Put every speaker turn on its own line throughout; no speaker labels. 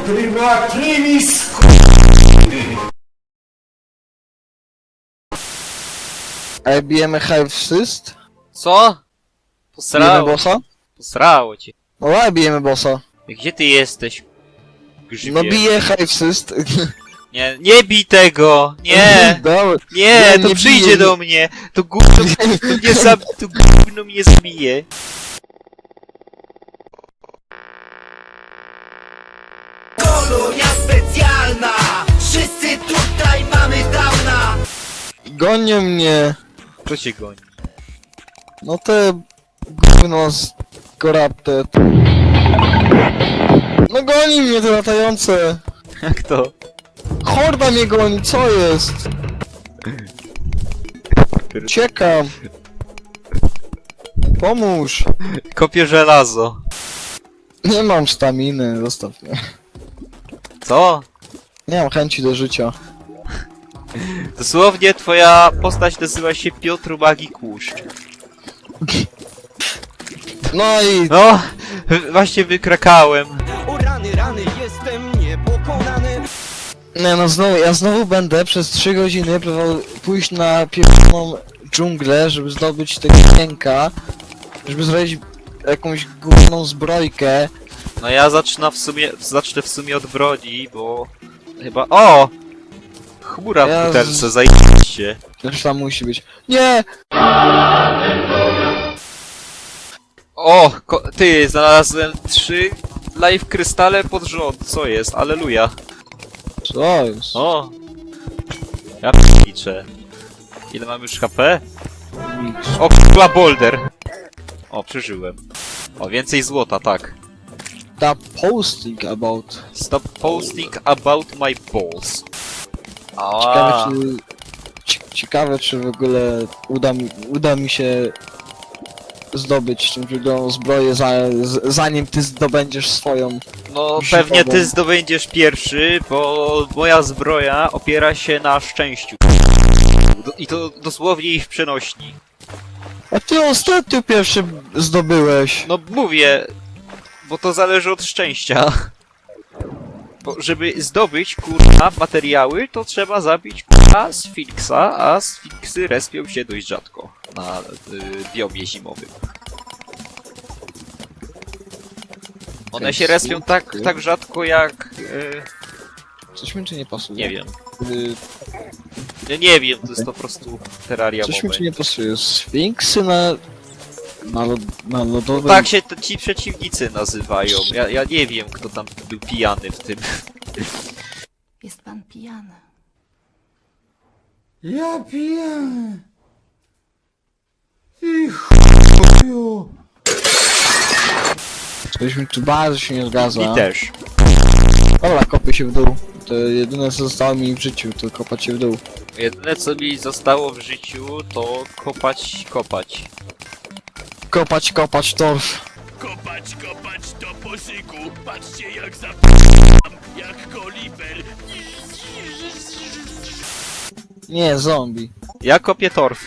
Prywatnymi
A bijemy Hive Syst?
Co?
Bijemy
Posrało,
bossa?
posrało cię.
No ale bijemy bossa.
Gdzie ty jesteś? Grzybie?
No bije Hive Syst.
Nie, nie bij tego! Nie!
Dobra.
Nie, to
nie
przyjdzie
biję.
do mnie! To gówno, to gówno mnie zabije!
Kolonia specjalna! Wszyscy tutaj mamy downa!
Gonią mnie.
Kto cię goni?
No te gówno z Corrupted. No goni mnie te latające.
Jak to?
Horda mnie goni, co jest? Uciekam. Pomóż.
Kopię żelazo.
Nie mam staminy, zostaw mnie.
Co?
Nie mam chęci do życia.
Dosłownie twoja postać nazywa się Piotr Magik Łuszcz.
No i
No, właśnie wykrakałem.
O rany, rany, jestem niepokonany!
nie no ja znowu będę przez 3 godziny próbował pójść na pierwszą dżunglę, żeby zdobyć tego jęka, żeby zrobić jakąś główną zbrojkę.
No ja zacznę w sumie od broni, bo chyba... O! Chmura w
Ja
butelce, zajebiście.
Też tam musi być. Nie!
O! Ty, znalazłem 3 live krystale pod rząd, co jest? Aleluja.
Co jest?
O! Ja liczę. Ile mam już HP? O, k***a boulder! O, przeżyłem. O, więcej złota, tak.
Stop posting about.
Stop posting about my balls.
Ciekawe ciekawe czy w ogóle uda mi się zdobyć tą drugą zbroję zanim ty zdobędziesz swoją.
No
Zimową.
pewnie ty zdobędziesz pierwszy, bo moja zbroja opiera się na szczęściu. I to dosłownie i w przenośni.
A ty ostatnio pierwszy zdobyłeś.
No mówię, bo to zależy od szczęścia. Bo żeby zdobyć, kurwa, materiały, to trzeba zabić, kurwa, sfinksa, a sfinksy respią się dość rzadko na biomie zimowym. One się respią tak rzadko jak...
Coś mi czy nie pasuje?
nie wiem.
Y,
Ja nie wiem, to jest po prostu terraria
Coś mi
mowy.
czy nie pasuje? Sfinksy na lodowym...
Tak się ci przeciwnicy nazywają. Ja nie wiem, kto tam był pijany w tym.
Jest pan pijany.
Ja pijany! Ty chuju!
Coś mi tu bardzo się nie zgadza.
I też.
Dobra, kopię się w dół. To jedyne co zostało mi w życiu, to kopać się w dół.
Jedyne co mi zostało w życiu, to kopać.
Kopać torf.
Kopać do poszyku. Patrzcie jak zapam, jak koliber.
Nie, zombie.
Ja kopię torf.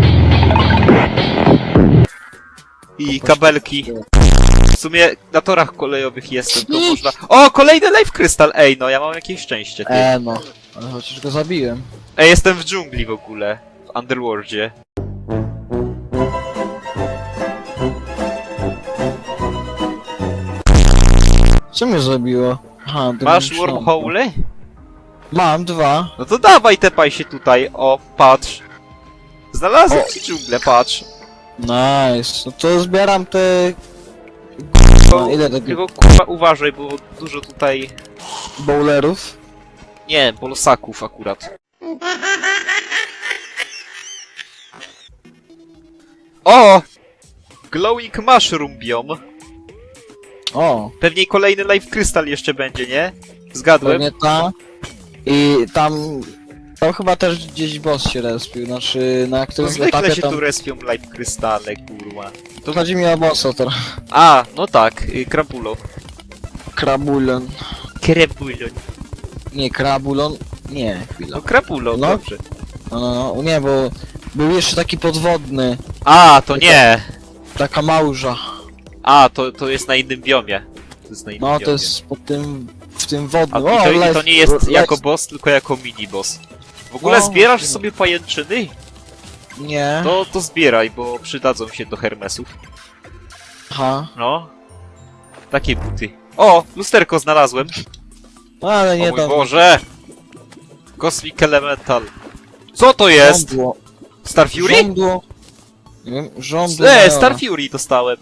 I kabelki. W sumie na torach kolejowych jestem, to można... O, kolejny life crystal! Ej, no ja mam jakieś szczęście, ty.
No. Ale chociaż go zabiłem.
Ej, jestem w dżungli w ogóle. W Underworldzie.
Co mnie zabiło? Aha,
Masz
Dimension.
wormhole?
Mam 2.
No to dawaj, tepaj się tutaj. O, patrz. Znalazłem ci dżunglę, patrz.
Nice. No to zbieram te...
Tylko,
ile tego
tylko kurwa uważaj, bo dużo tutaj...
bowlerów?
Nie, bolosaków akurat. O! Glowing mushroom biome.
O,
Pewnie kolejny life crystal jeszcze będzie, nie? Zgadłem.
pewnie ta. I tam... Tam chyba też gdzieś boss się respił, znaczy na
To
którymś
zwykle
etapie
się
tam...
tu respią life crystale, kurwa.
To chodzi mi o bossa teraz.
A, no tak, Krabulo.
Krabulon.
Krebulon.
Nie, Krabulon. Nie, chwila.
No Krabulo,
No.
dobrze.
No, nie, bo był jeszcze taki podwodny.
A, to nie!
Taka małża.
A, to jest na innym biomie. To jest na innym
No,
biomie.
to jest pod tym w tym wodnym.
A i to nie jest jako
life-
boss, tylko jako mini boss. W ogóle
O,
zbierasz
możliwe.
sobie pajęczyny?
Nie.
To zbieraj, bo przydadzą się do Hermesów.
Aha.
No. Takie buty. O! Lusterko znalazłem.
No, ale
O
nie
mój
dam.
Boże! Cosmic Elemental. Co to jest?
Żądło.
Star Fury?
Żądło. Nie wiem, żądło.
Star Fury dostałem.